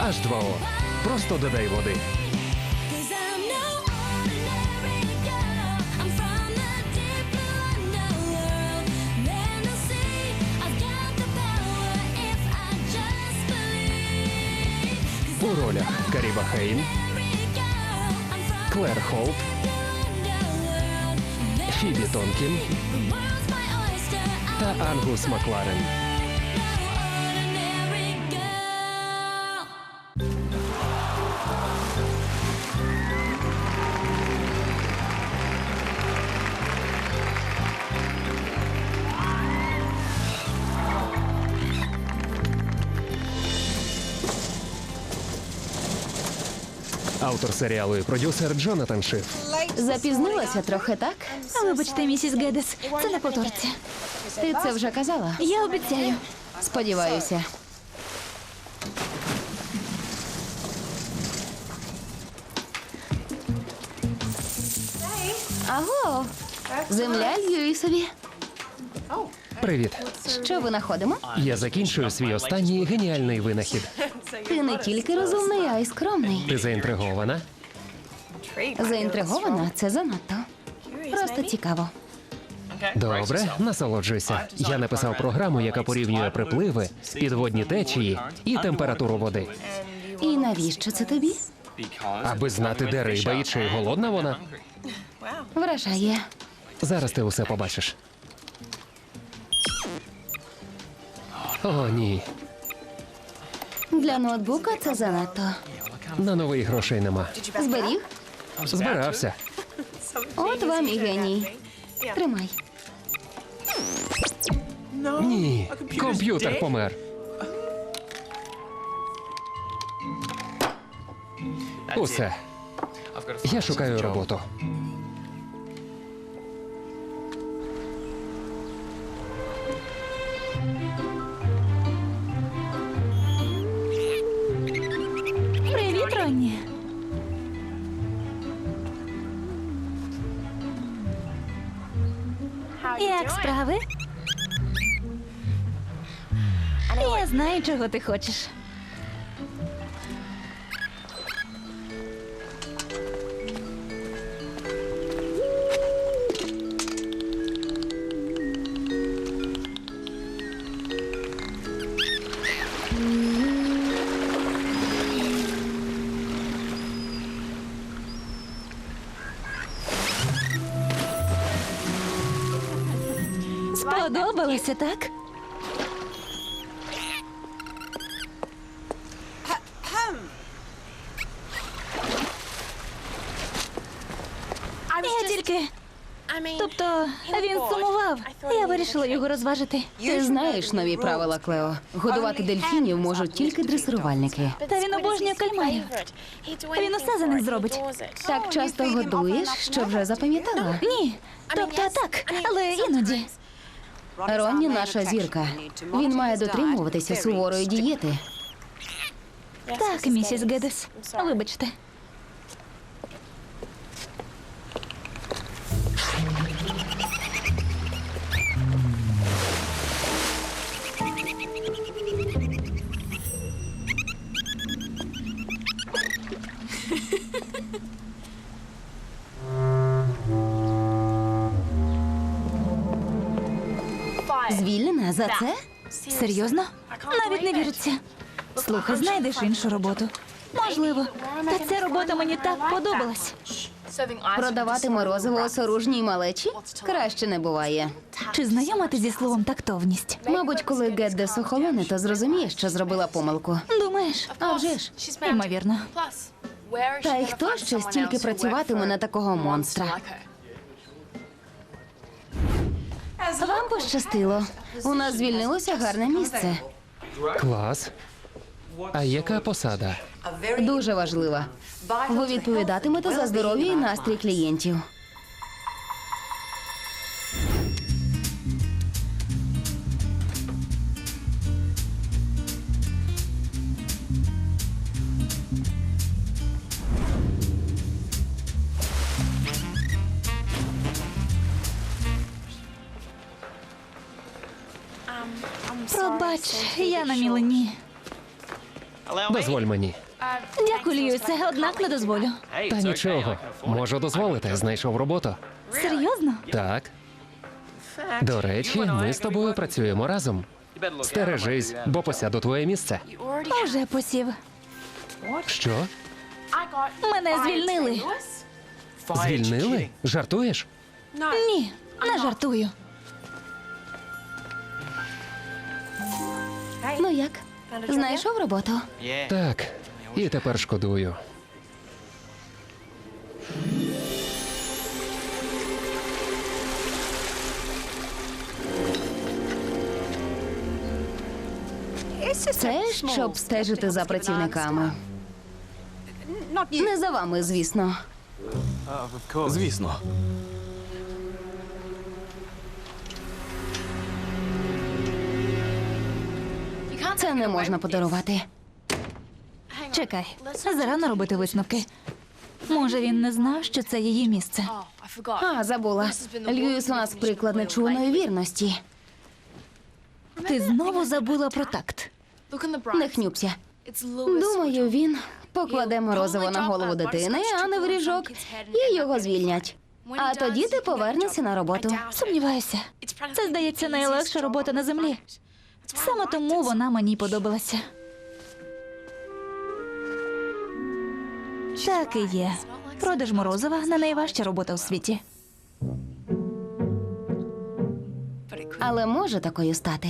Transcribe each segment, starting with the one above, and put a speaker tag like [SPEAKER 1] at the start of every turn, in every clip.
[SPEAKER 1] H2O. Просто додай води.
[SPEAKER 2] Cause I'm no ordinary girl. I'm from the deep blue underworld. Men will see I've got the power if I just believe.
[SPEAKER 1] У ролях Каріба Хейн,
[SPEAKER 2] Every girl, I'm from
[SPEAKER 1] Клер Холт,
[SPEAKER 2] the underworld.
[SPEAKER 1] Фібі Тонкін
[SPEAKER 2] The world's my oyster.
[SPEAKER 1] та Ангус Макларен.
[SPEAKER 2] No ordinary girl.
[SPEAKER 1] Автор серіалу і продюсер Джонатан Шиф.
[SPEAKER 3] Запізнилася трохи, так?
[SPEAKER 4] Вибачте, місіс Гедес, це не повториться.
[SPEAKER 3] Ти це вже казала?
[SPEAKER 4] Я обіцяю.
[SPEAKER 3] Сподіваюся. Аго! Земля Льюісові.
[SPEAKER 1] Привіт.
[SPEAKER 3] Що винаходимо?
[SPEAKER 1] Я закінчую свій останній геніальний винахід.
[SPEAKER 3] Ти не тільки розумний, а й скромний.
[SPEAKER 1] Ти заінтригована?
[SPEAKER 3] Заінтригована? Це занадто. Просто цікаво.
[SPEAKER 1] Добре, насолоджуйся. Я написав програму, яка порівнює припливи, підводні течії і температуру води.
[SPEAKER 3] І навіщо це тобі?
[SPEAKER 1] Аби знати, де риба і чи голодна вона.
[SPEAKER 3] Вражає.
[SPEAKER 1] Зараз ти усе побачиш. О, ні.
[SPEAKER 3] Для ноутбука це занадто.
[SPEAKER 1] На новий грошей нема.
[SPEAKER 3] Зберіг?
[SPEAKER 1] Збирався.
[SPEAKER 3] От вам і геній. Тримай.
[SPEAKER 1] Ні, комп'ютер помер. Усе. Я шукаю роботу.
[SPEAKER 4] Привіт, Ронні. Як справи? Я знаю, чого ти хочеш. Сподобалося, так? Я тільки... Тобто, він сумував. Я вирішила його розважити.
[SPEAKER 3] Ти знаєш нові правила, Клео. Годувати дельфінів можуть тільки дресирувальники.
[SPEAKER 4] Та він обожнює кальмарів. Він усе за них зробить.
[SPEAKER 3] Так часто годуєш, що вже запам'ятала.
[SPEAKER 4] Ні, тобто так, але іноді.
[SPEAKER 3] Ронні наша зірка. Він має дотримуватися суворої дієти.
[SPEAKER 4] Так, місіс Гедес, вибачте.
[SPEAKER 3] Звільнена за це?
[SPEAKER 4] Серйозно? Навіть не віриться. Слухай, знайдеш іншу роботу. Можливо. Та ця робота мені так подобалась.
[SPEAKER 3] Продавати морозиво осоружній малечі? Краще не буває.
[SPEAKER 4] Чи знайома ти зі словом тактовність?
[SPEAKER 3] Мабуть, коли Геддес охолоне, то зрозуміє, що зробила помилку.
[SPEAKER 4] Думаєш?
[SPEAKER 3] А вже ж.
[SPEAKER 4] Ймовірно.
[SPEAKER 3] Та й хто ще стільки працюватиме на такого монстра? Вам пощастило. У нас звільнилося гарне місце.
[SPEAKER 1] Клас. А яка посада?
[SPEAKER 3] Дуже важлива. Ви відповідатимете за здоров'я і настрій клієнтів.
[SPEAKER 4] Пробач, я на мілені.
[SPEAKER 1] Дозволь мені.
[SPEAKER 4] Дякую, Льюісе, однак не дозволю.
[SPEAKER 1] Та нічого. Можу дозволити. Знайшов роботу.
[SPEAKER 4] Серйозно?
[SPEAKER 1] Так. До речі, ми з тобою працюємо разом. Стережись, бо посяду твоє місце.
[SPEAKER 4] Уже посів.
[SPEAKER 1] Що?
[SPEAKER 4] Мене звільнили.
[SPEAKER 1] Звільнили? Жартуєш?
[SPEAKER 4] Ні, не жартую.
[SPEAKER 3] Ну як? Знайшов роботу?
[SPEAKER 1] Так. І тепер шкодую.
[SPEAKER 3] Це щоб стежити за працівниками. Не за вами, звісно.
[SPEAKER 5] Звісно.
[SPEAKER 3] Це не можна подарувати.
[SPEAKER 4] Чекай, зарано робити висновки. Може, він не знав, що це її місце.
[SPEAKER 3] А, забула. Льюіс у нас приклад нечуваної вірності.
[SPEAKER 4] Ти знову забула про такт.
[SPEAKER 3] Не хнюпся. Думаю, він покладе морозиво на голову дитини, а не в ріжок, і його звільнять. А тоді ти повернешся на роботу.
[SPEAKER 4] Сумніваюся. Це, здається, найлегша робота на землі. Саме тому вона мені подобалася. Так і є. Продаж морозива не найважча робота у світі.
[SPEAKER 3] Але може такою стати.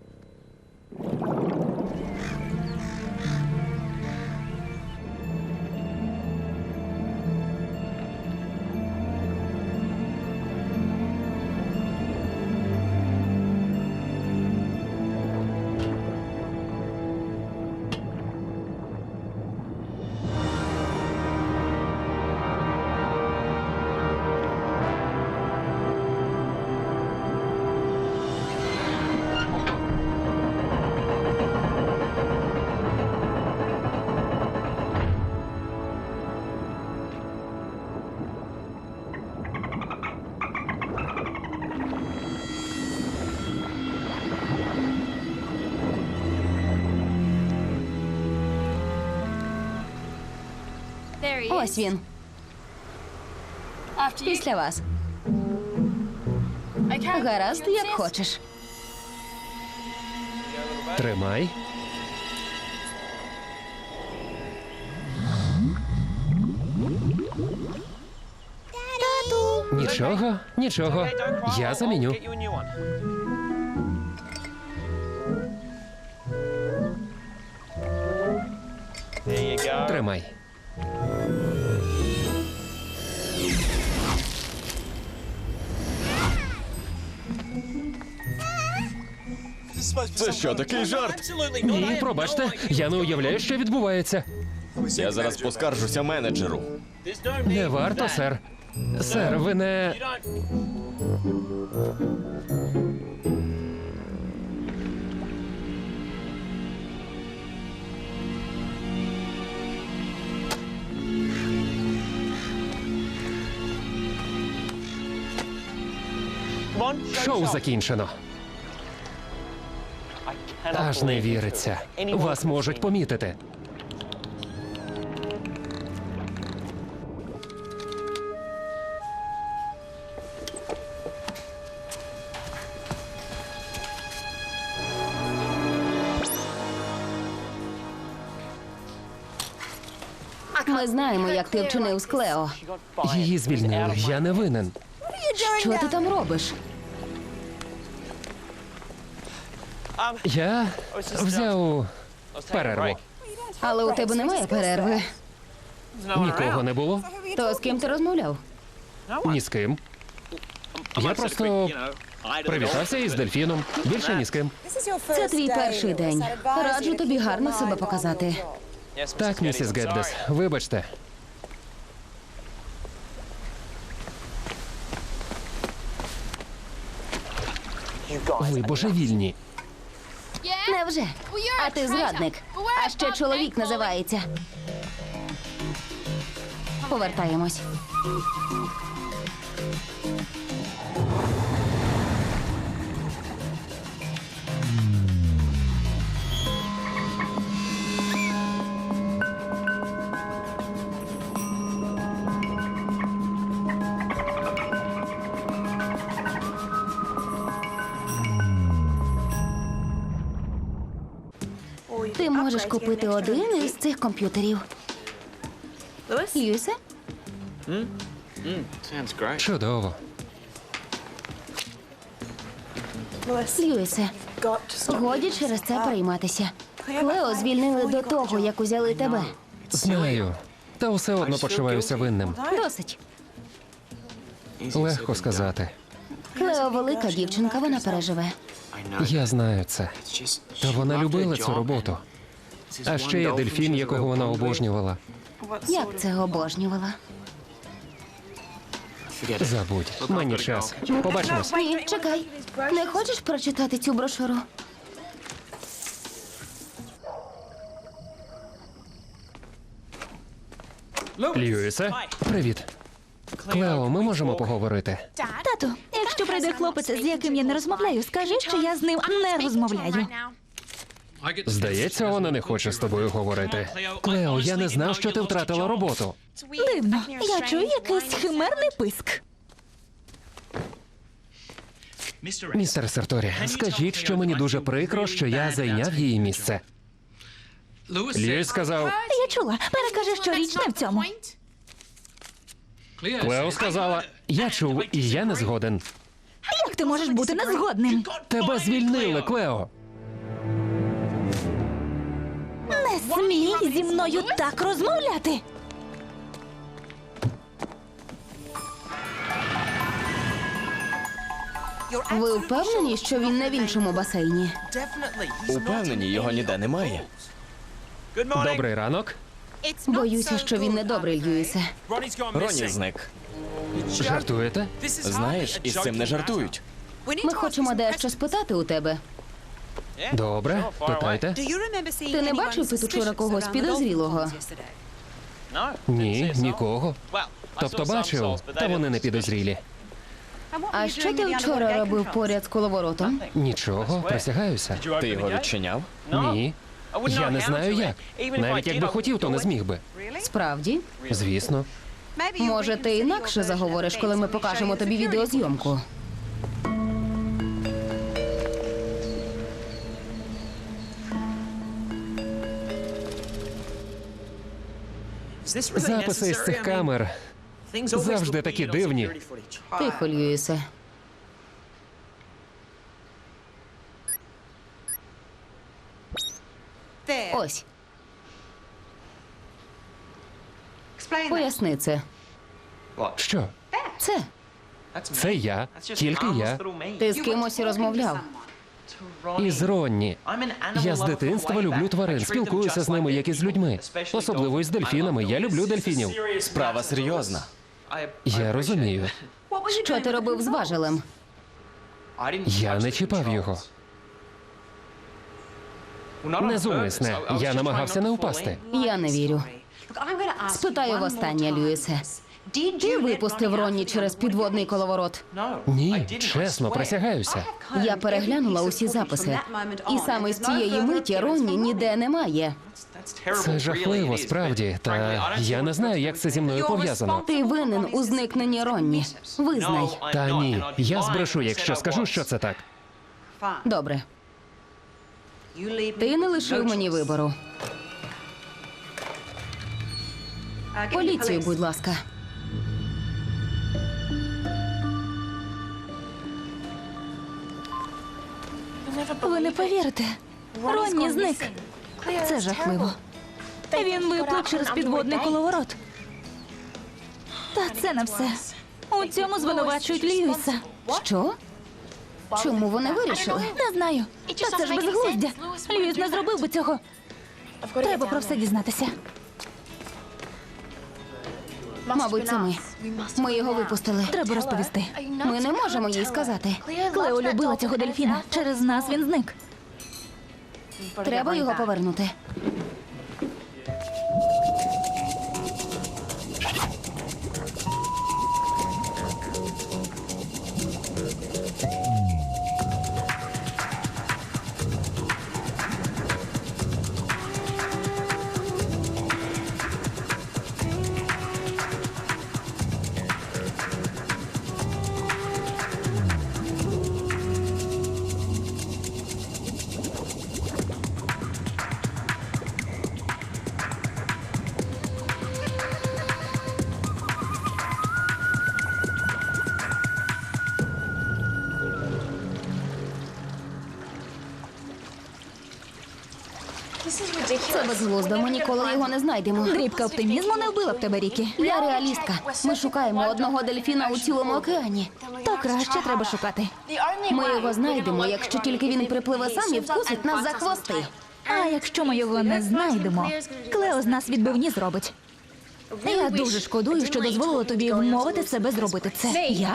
[SPEAKER 3] Ось він. Після вас. Гаразд, як хочеш.
[SPEAKER 1] Тримай. Нічого, нічого. Я заміню. Тримай.
[SPEAKER 5] Це що, такий жарт?
[SPEAKER 1] Ні, пробачте, я не уявляю, що відбувається.
[SPEAKER 5] Я зараз поскаржуся менеджеру.
[SPEAKER 1] Не варто, сер. Сер, ви не. Шоу закінчено. Аж не віриться. Вас можуть помітити.
[SPEAKER 3] Ми знаємо, як ти вчинив з Клео.
[SPEAKER 1] Її звільнили. Я не винен.
[SPEAKER 3] Що ти там робиш?
[SPEAKER 1] Я взяв перерву.
[SPEAKER 3] Але у тебе немає перерви.
[SPEAKER 1] Нікого не було.
[SPEAKER 3] То з ким ти розмовляв?
[SPEAKER 1] Ні з ким. Я просто привітався із дельфіном. Більше ні з ким.
[SPEAKER 3] Це твій перший день. Раджу тобі гарно себе показати.
[SPEAKER 1] Так, місіс Геддес, вибачте. Ви божевільні.
[SPEAKER 3] Невже? А ти зрадник. А ще чоловік називається. Повертаємось. Можеш купити один із цих комп'ютерів. Льюісе?
[SPEAKER 1] Чудово.
[SPEAKER 3] Льюісе, годі через це перейматися. Клео звільнили до того, як узяли тебе.
[SPEAKER 1] Знаю. Та все одно почуваюся винним.
[SPEAKER 3] Досить.
[SPEAKER 1] Легко сказати.
[SPEAKER 3] Клео велика дівчинка, вона переживе.
[SPEAKER 1] Я знаю це. Та вона любила цю роботу. А ще є дельфін, якого вона обожнювала.
[SPEAKER 3] Як це обожнювала?
[SPEAKER 1] Забудь, мені час. Побачимось.
[SPEAKER 3] Ні, чекай. Не хочеш прочитати цю брошуру?
[SPEAKER 1] Льюісе, привіт. Клео, ми можемо поговорити?
[SPEAKER 4] Тату, якщо прийде хлопець, з яким я не розмовляю, скажи, що я з ним не розмовляю.
[SPEAKER 1] Здається, вона не хоче з тобою говорити. Клео, я не знав, що ти втратила роботу.
[SPEAKER 4] Дивно, я чую якийсь химерний писк.
[SPEAKER 1] Містер Серторі, скажіть, що мені дуже прикро, що я зайняв її місце. Льюіс сказав,
[SPEAKER 4] Я чула, перекажи, що річ не в цьому.
[SPEAKER 1] Клео сказала, я чув, і я не згоден.
[SPEAKER 4] Як ти можеш бути незгодним?
[SPEAKER 1] Тебе звільнили, Клео.
[SPEAKER 4] Не смій зі мною так розмовляти.
[SPEAKER 3] Ви впевнені, що він не в іншому басейні?
[SPEAKER 5] Упевнені, його ніде немає.
[SPEAKER 1] Добрий ранок.
[SPEAKER 3] Боюся, що він не добрий, Льюісе.
[SPEAKER 5] Роні зник.
[SPEAKER 1] Жартуєте?
[SPEAKER 5] Знаєш, із цим не жартують.
[SPEAKER 3] Ми хочемо дещо спитати у тебе.
[SPEAKER 1] Добре, питайте.
[SPEAKER 3] Ти не бачив тут учора когось підозрілого?
[SPEAKER 1] Ні, нікого. Тобто бачив, та вони не підозрілі.
[SPEAKER 3] А що ти вчора робив поряд з коловоротом?
[SPEAKER 1] Нічого, присягаюся.
[SPEAKER 5] Ти його відчиняв?
[SPEAKER 1] Ні. Я не знаю як. Навіть якби хотів, то не зміг би.
[SPEAKER 3] Справді?
[SPEAKER 1] Звісно.
[SPEAKER 3] Може, ти інакше заговориш, коли ми покажемо тобі відеозйомку?
[SPEAKER 1] Записи із цих камер завжди такі дивні.
[SPEAKER 3] Тихо, Льюісе. Ось, поясни це.
[SPEAKER 1] Що?
[SPEAKER 3] Це.
[SPEAKER 1] Це я, тільки я.
[SPEAKER 3] Ти з кимось розмовляв?
[SPEAKER 1] Із Ронні. Я з дитинства люблю тварин, спілкуюся з ними, як і з людьми. Особливо із дельфінами. Я люблю дельфінів.
[SPEAKER 5] Справа серйозна.
[SPEAKER 1] Я розумію.
[SPEAKER 3] Що ти робив з важелем?
[SPEAKER 1] Я не чіпав його. Незумисне. Я намагався не впасти.
[SPEAKER 3] Я не вірю. Спитаю востаннє, Льюісе. Ти випустив Ронні через підводний коловорот?
[SPEAKER 1] Ні, чесно, присягаюся.
[SPEAKER 3] Я переглянула усі записи. І саме з цієї миті Ронні ніде немає.
[SPEAKER 1] Це жахливо, справді. Та я не знаю, як це зі мною пов'язано.
[SPEAKER 3] Ти винен у зникненні Ронні. Визнай.
[SPEAKER 1] Та ні, я збрешу, якщо скажу, що це так.
[SPEAKER 3] Добре. Ти не лишив мені вибору. Поліцію, будь ласка.
[SPEAKER 4] Ви не повірите. Ронні зник. Це жахливо. Він виплив через підводний коловорот. Та це не все. У цьому звинувачують Льюіса.
[SPEAKER 3] Що? Чому вони вирішили?
[SPEAKER 4] Не знаю. Та це ж безглуздя. Льюіс не зробив би цього. Треба про все дізнатися.
[SPEAKER 3] Мабуть, це ми. Ми його випустили.
[SPEAKER 4] Треба розповісти.
[SPEAKER 3] Ми не можемо їй сказати.
[SPEAKER 4] Клео любила цього дельфіна. Через нас він зник.
[SPEAKER 3] Треба його повернути. Це безглуздо, ми ніколи його не знайдемо.
[SPEAKER 4] Дрібка оптимізму не вбила б тебе, Рікі.
[SPEAKER 3] Я реалістка. Ми шукаємо одного дельфіна у цілому океані.
[SPEAKER 4] То краще треба шукати.
[SPEAKER 3] Ми його знайдемо, якщо тільки він припливе сам і вкусить нас за хвости.
[SPEAKER 4] А якщо ми його не знайдемо, Клео з нас відбивні зробить. Я дуже шкодую, що дозволила тобі вмовити себе зробити це.
[SPEAKER 3] Я?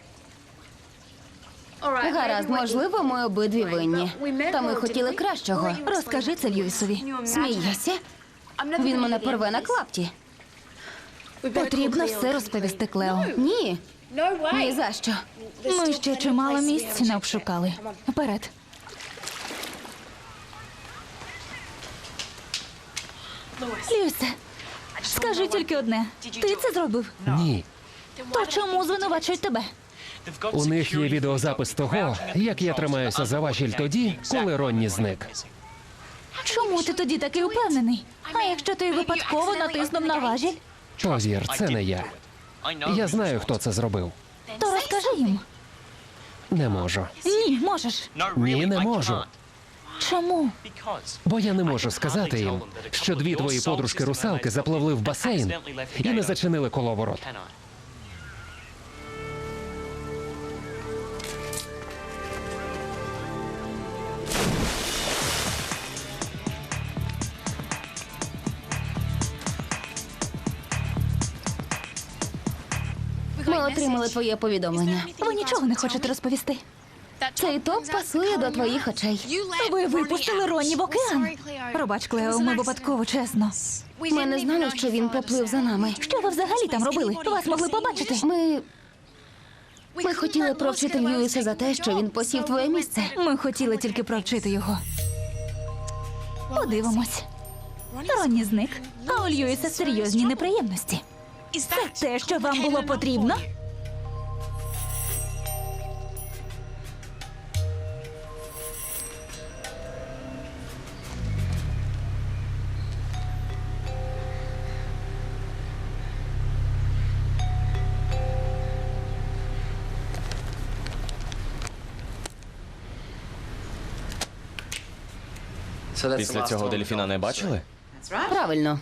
[SPEAKER 3] Гаразд, можливо, ми обидві винні. Та ми хотіли кращого.
[SPEAKER 4] Розкажи це Льюісові.
[SPEAKER 3] Смієшся? Він мене порве на клапті.
[SPEAKER 4] Потрібно все розповісти Клео.
[SPEAKER 3] Ні. Ні за що.
[SPEAKER 4] Ми ще чимало місць не обшукали. Вперед. Льюісе, скажи тільки одне. Ти це зробив?
[SPEAKER 1] Ні.
[SPEAKER 4] То чому звинувачують тебе?
[SPEAKER 1] У них є відеозапис того, як я тримаюся за важіль тоді, коли Ронні зник.
[SPEAKER 4] Чому ти тоді такий упевнений? А якщо ти випадково натиснув на важіль,
[SPEAKER 1] Повір, це не я. Я знаю, хто це зробив.
[SPEAKER 4] то розкажи їм.
[SPEAKER 1] Не можу.
[SPEAKER 4] Ні, можеш.
[SPEAKER 1] Ні, не можу.
[SPEAKER 4] Чому?
[SPEAKER 1] Бо я не можу сказати їм, що дві твої подружки-русалки запливли в басейн і не зачинили коловорот.
[SPEAKER 3] Ми отримали твоє повідомлення.
[SPEAKER 4] Ви нічого не хочете розповісти?
[SPEAKER 3] Цей топ пасує до твоїх очей.
[SPEAKER 4] Ви випустили Ронні в океан. Пробач, Клео, ми випадково, чесно.
[SPEAKER 3] Ми не знали, що він поплив за нами.
[SPEAKER 4] Що ви взагалі там робили? Вас могли побачити.
[SPEAKER 3] Ми хотіли провчити Льюіса за те, що він посів твоє місце.
[SPEAKER 4] Ми хотіли тільки провчити його. Подивимось. Ронні зник, а у Льюіса серйозні неприємності. Це те, що вам було потрібно?
[SPEAKER 5] Після цього дельфіна не бачили?
[SPEAKER 3] Правильно.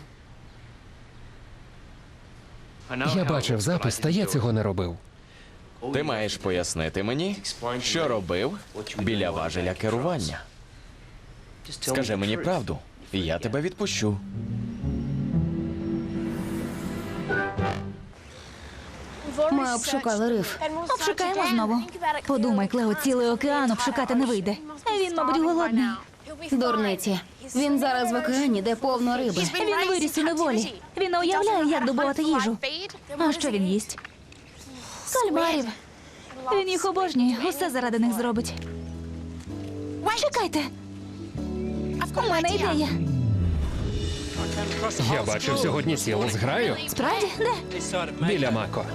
[SPEAKER 1] Я бачив запис, та я цього не робив.
[SPEAKER 5] Ти маєш пояснити мені, що робив біля важеля керування. Скажи мені правду, і я тебе відпущу.
[SPEAKER 3] Ми обшукали риф.
[SPEAKER 4] Обшукаємо знову. Подумай, Клео, цілий океан обшукати не вийде. Він, мабуть, голодний.
[SPEAKER 3] Дурниці. Він зараз в океані, де повно риби.
[SPEAKER 4] Він виріс у неволі. Він не уявляє, як добувати їжу. А що він їсть? Кальмарів. Він їх обожнює, усе заради них зробить. Чекайте. У мене ідея.
[SPEAKER 1] Я бачив сьогодні цілу зграю
[SPEAKER 4] Справді? Де?
[SPEAKER 1] біля Мако.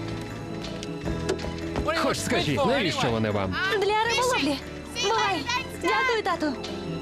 [SPEAKER 1] Хоч скажіть, навіщо вони вам?
[SPEAKER 4] Для риболовлі. Бувай. Дякую, тату.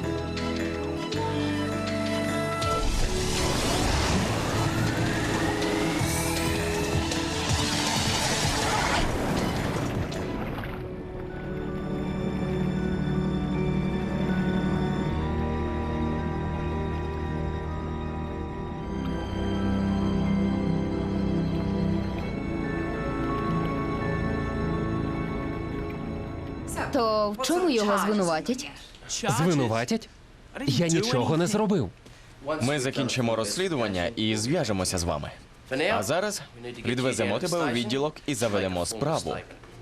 [SPEAKER 3] То в чому його звинуватять?
[SPEAKER 1] Звинуватять? Я нічого не зробив.
[SPEAKER 5] Ми закінчимо розслідування і зв'яжемося з вами. А зараз відвеземо тебе у відділок і заведемо справу.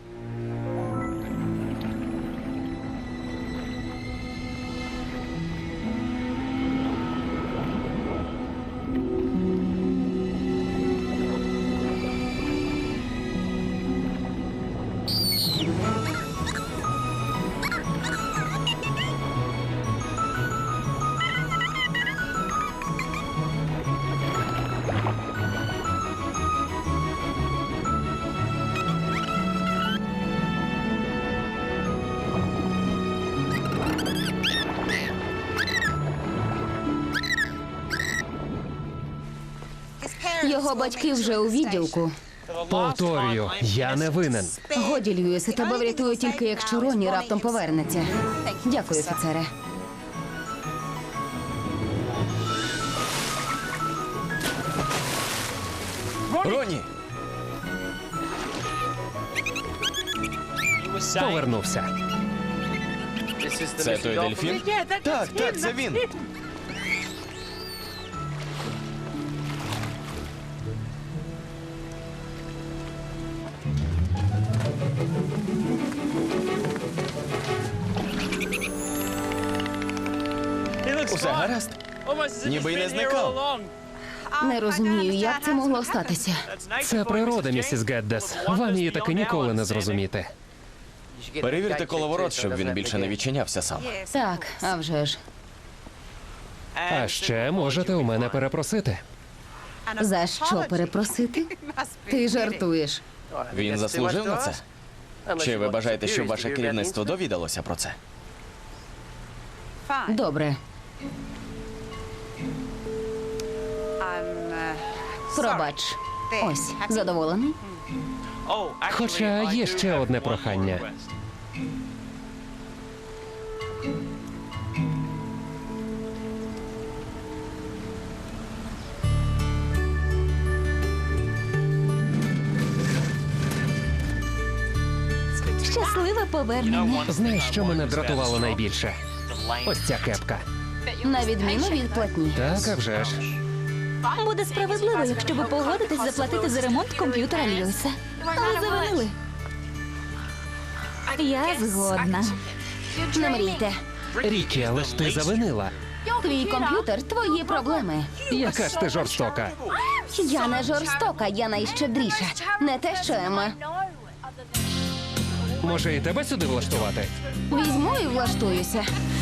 [SPEAKER 3] Його батьки вже у відділку.
[SPEAKER 1] Повторюю, я не винен.
[SPEAKER 3] Годі, Льюісе, тебе врятую тільки, якщо Ронні раптом повернеться. Дякую, офіцере.
[SPEAKER 5] Ронні!
[SPEAKER 1] Повернувся.
[SPEAKER 5] Це той дельфін? Так, це він. Усе гаразд? Ніби й не зникав.
[SPEAKER 3] Не розумію, як це могло статися.
[SPEAKER 1] Це природа, місіс Геддес. Вам її таки ніколи не зрозуміти.
[SPEAKER 5] Перевірте коловорот, щоб він більше не відчинявся сам.
[SPEAKER 3] Так, а вже ж.
[SPEAKER 1] А ще можете у мене перепросити.
[SPEAKER 3] За що перепросити? Ти жартуєш.
[SPEAKER 5] Він заслужив на це? Чи ви бажаєте, щоб ваше керівництво довідалося про це?
[SPEAKER 3] Добре, пробач. Ось, задоволений?
[SPEAKER 1] Хоча є ще одне прохання.
[SPEAKER 4] Щасливе повернення.
[SPEAKER 1] Знаєш, що мене дратувало найбільше? Ось ця кепка.
[SPEAKER 3] На відміну від платні.
[SPEAKER 1] Так, а вже ж.
[SPEAKER 4] Буде справедливо, якщо ви погодитесь заплатити за ремонт комп'ютера Льюіса. Ви завалили. Я згодна.
[SPEAKER 3] Не мрійте.
[SPEAKER 1] Рікі, але ж ти завинила.
[SPEAKER 3] Твій комп'ютер – твої проблеми.
[SPEAKER 1] Яка ж ти жорстока.
[SPEAKER 3] Я не жорстока, я найщедріша. Не те, що Емма.
[SPEAKER 1] Може, і тебе сюди влаштувати?
[SPEAKER 3] Візьму і влаштуюся.